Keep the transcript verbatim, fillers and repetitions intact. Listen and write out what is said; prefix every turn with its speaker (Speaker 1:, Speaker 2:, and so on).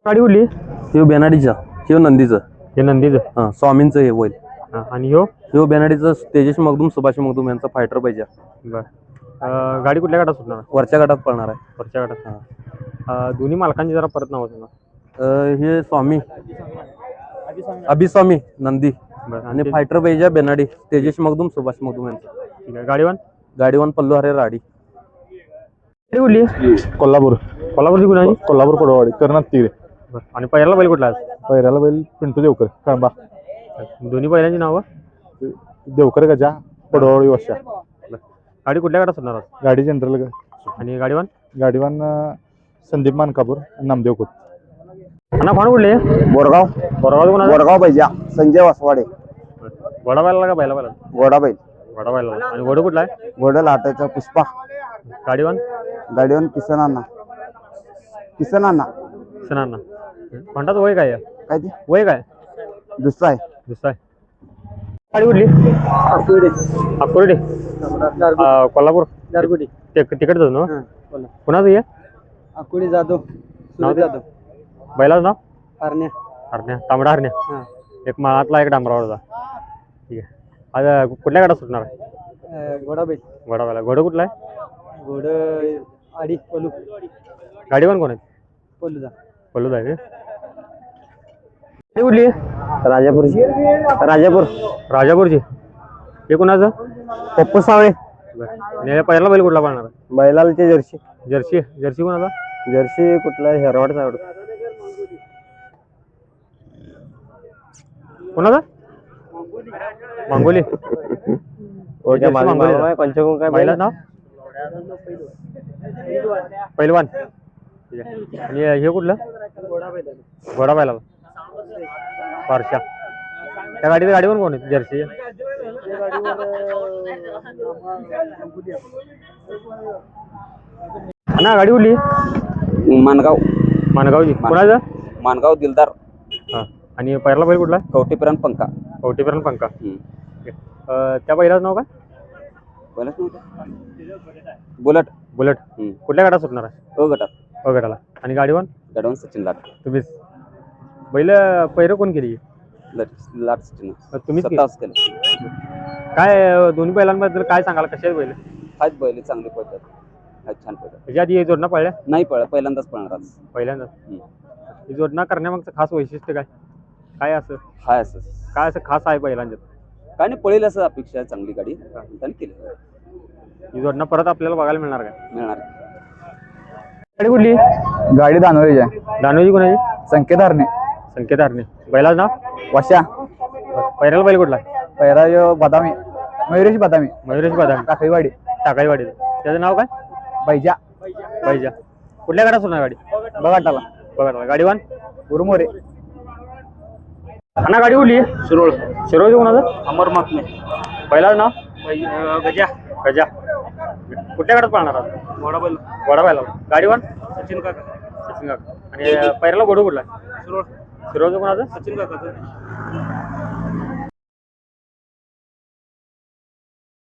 Speaker 1: गाडी कुठली?
Speaker 2: ह्यो बेनाडीचा, ह्यो नंदीचं.
Speaker 1: हे नंदीचं.
Speaker 2: हा स्वामींचं हे होईल.
Speaker 1: हा, आणि ह्यो
Speaker 2: ह्यो बेनाडीचं तेजस मगदूम सुभाष मगदूम यांचा फायटर पाहिजे.
Speaker 1: बर. अं, गाडी कुठल्या गटात सुटणार?
Speaker 2: वरच्या गटात पळणार आहे.
Speaker 1: वरच्या गटात. हा. दोन्ही मालकांची जरा परत नाव सांगा.
Speaker 2: अं, हे स्वामी अभिस्वामी नंदी
Speaker 1: बरं.
Speaker 2: आणि फायटर पाहिजे बेनाडी तेजस मगदूम सुभाष मगदूम यांचा.
Speaker 1: ठीक आहे. गाडीवान
Speaker 2: गाडीवान पल्लू हरे राडी.
Speaker 1: गाडी कुठली?
Speaker 3: कोल्हापूर
Speaker 1: कोल्हापूरची कुणाची?
Speaker 3: कोल्हापूर कोडवाडी कर्नात तीर.
Speaker 1: बरं. आणि पहिल्याला बैल कुठला आहे?
Speaker 3: पैऱ्याला बैल पिंटू देवकर कळंबा.
Speaker 1: दोन्ही बैलांची नावं?
Speaker 3: देवकर गजा पडवाडी वशा.
Speaker 1: गाडी कुठल्या गटात सुटणार?
Speaker 3: गाडी जनरल.
Speaker 1: आणि गाडीवान?
Speaker 3: गाडीवान संदीप मानकापूर नामदेव खोत.
Speaker 1: अण्णा कोण कुठले?
Speaker 4: बोरगाव
Speaker 1: बोरगाव कोणा?
Speaker 4: बोरगाव पाहिजे संजय वासवाडे.
Speaker 1: घोडा बैला का बैला बैला?
Speaker 4: घोडा बैल.
Speaker 1: घोडा बैला. आणि घोडा कुठला आहे?
Speaker 4: घोडा लाटायचा पुष्पा.
Speaker 1: गाडीवान?
Speaker 4: गाडीवर किसन अण्णा. किसन अण्णा
Speaker 1: किसन अण्णा. म्हणतात वय काय आहे?
Speaker 4: काय ते
Speaker 1: वय काय?
Speaker 4: दुसरा आहे.
Speaker 1: दुसरा आहे. गाडी कुठली? अकोर्डे. कोल्हापूर
Speaker 4: गारगुडी.
Speaker 1: तिकडच ना? कुणाचं आहे?
Speaker 4: अकोडी जाधव.
Speaker 1: नाव जाधव. बैलाचं नाव?
Speaker 4: हरण्या.
Speaker 1: हरण्या. तांबडा हरण्या. एक माळातला एक डांबरावरचा. ठीक आहे. आता कुठल्या गाडा सुटणार आहे?
Speaker 4: घोडा बैल.
Speaker 1: घोडा बैला. घोडा कुठला आहे?
Speaker 4: घोड आडी पलू.
Speaker 1: गाडीवान कोण आहे?
Speaker 4: पलूदा.
Speaker 1: पल्लू आहे. कुठली?
Speaker 4: राजापूरची. राजापूर.
Speaker 1: राजापूरची. हे कुणाचं?
Speaker 4: पप्पू सावळे.
Speaker 1: आणि पहिला बैल कुठला पाळणार?
Speaker 4: बैलालची जर्सी.
Speaker 1: जर्सी. जर्सी कोणाचा?
Speaker 4: जर्सी कुठला हेरवाडचा आवडतो.
Speaker 1: कोणाचा? मांगोली.
Speaker 4: पंचगुण काय
Speaker 1: बैलाचं नाव? पहिलवान. ठीक आहे. आणि हे कुठलं? घोडा बैलाला. पारशा. त्या गाडीच्या गाडीवर कोण आहे? जर्सी. ना गाडी कुठली?
Speaker 4: मानगाव.
Speaker 1: मानगावची. कोणाचं?
Speaker 4: मानगाव दिलदार.
Speaker 1: हा. आणि पहिला बैल कुठला?
Speaker 4: कवटेपर्यंत पंखा.
Speaker 1: कवटेपर्यंत पंखा. त्या बैलाचं नाव काय?
Speaker 4: बुलट.
Speaker 1: बुलेट. कुठल्या गाडा सुटणार आहे?
Speaker 4: अ गटात.
Speaker 1: अ गटाला. आणि गाडीवान?
Speaker 4: गाडीवान सचिन लाट.
Speaker 1: तुम्हीच. बैल पैर कोण केली?
Speaker 4: लाट सचिन.
Speaker 1: तुम्हीच
Speaker 4: स्वतःच केलं.
Speaker 1: काय दोन्ही बैलांबद्दल काय सांगाल? कसे बैल
Speaker 4: आहेत? बैल चांगले पळतात. आहेत छान पळतात.
Speaker 1: त्याच्या आधी जोडणं पळल्या?
Speaker 4: नाही पळ पहिल्यांदाच पळणार आज.
Speaker 1: पहिल्यांदा. ही जोडणं करण्यामागचं खास वैशिष्ट्य काय? काय असं
Speaker 4: हाय असं
Speaker 1: काय असं खास आहे बैलांच्यात?
Speaker 4: काय नाही पळेल असं अपेक्षा आहे. चांगली गाडी त्यांनी केली.
Speaker 1: ही जोडणं परत आपल्याला बघायला मिळणार काय?
Speaker 4: मिळणार.
Speaker 1: गाडी कुठली?
Speaker 3: गाडी दानोळीची आहे.
Speaker 1: दानोजी कोणाची?
Speaker 3: संकेत हरणे.
Speaker 1: संकेत हरणे. बैलाचं नाव?
Speaker 3: वशा.
Speaker 1: पैराला बैल कुठला?
Speaker 3: पैरा जो बदामी मयुरेश बदामी.
Speaker 1: मयुरेश बदामी.
Speaker 3: टाकळीवाडी.
Speaker 1: टाकाईवाडी. त्याचं नाव काय?
Speaker 3: बैजा.
Speaker 1: बैजा. कुठल्या गाडा सुटणार गाडी?
Speaker 3: बघाटाला.
Speaker 1: बघा. गाडीवान?
Speaker 3: गुरुमोरे.
Speaker 1: अण्णा गाडी कुठली? शिरोळ. शिरोळचं कोणाचं?
Speaker 4: अमर माकमे.
Speaker 1: बैलाचं नाव?
Speaker 4: गजा.
Speaker 1: गजा. कुठल्या गाडात पाळणार?
Speaker 4: घोडा बैल.
Speaker 1: घोडा बैला. गाडीवान?
Speaker 4: सचिन काका.
Speaker 1: सचिन काका. आणि पैराला घोडू कुठला?
Speaker 4: शिरोळ.
Speaker 1: शिरोळचं कोणाचं?
Speaker 4: सचिन काकाचं.